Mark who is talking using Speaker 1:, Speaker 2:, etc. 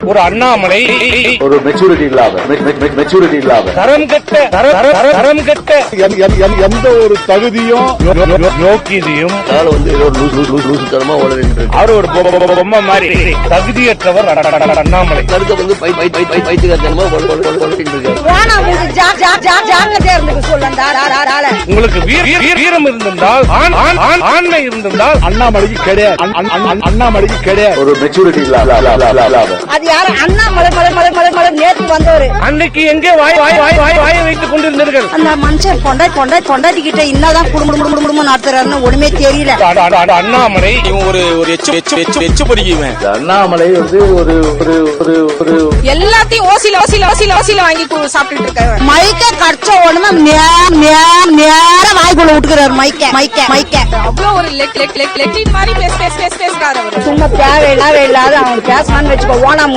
Speaker 1: ஒரு அண்ணாமலை
Speaker 2: ஒரு மெச்சூரிட்டி இல்லாத
Speaker 1: தரம் கெட்ட
Speaker 2: எந்த ஒரு தகுதியும்
Speaker 1: நோக்கியதையும்
Speaker 2: லூசுத்தனமா
Speaker 1: அவர் ஒரு பொம்மை மாதிரி தகுதியற்றவர் அண்ணாமலை. உங்களுக்கு வீரம் இருந்திருந்தால் ஆண்மை இருந்திருந்தால்
Speaker 2: அண்ணாமலைக்கு கிடையாது ஒரு மெச்சூரிட்டி இல்லாத
Speaker 3: அது யாரு அண்ணாமலை நேற்று வந்தவரு
Speaker 1: அன்னைக்கு எங்கே வாய் வைத்துக் கொண்டிருந்தீர்கள்.
Speaker 3: அந்த மனுஷன் பொண்டாட்டிக்கிட்ட என்னதான் குடும்பம் நடத்துறாருன்னு ஒண்ணுமே தெரியல.
Speaker 1: அண்ணாமலை
Speaker 4: ஒரு எச்சு பொறிக்குவேன்.
Speaker 2: அண்ணாமலை வந்து ஒரு
Speaker 5: எல்லாத்தையும் ஓசில வாங்கி சாப்பிட்டு இருக்காரு.
Speaker 3: மைக்க கடிச்ச உடனே நேர வாய்க்குள்ள விட்டுக்கிறாரு மைக்க
Speaker 5: அவ்வளவு ஒரு லெக்லின் மாதிரி பேசுறாரு அவரு.
Speaker 3: சும்மா தேவையில்லாத அவன் பேசலான்னு வச்சுக்கோ. ஓனா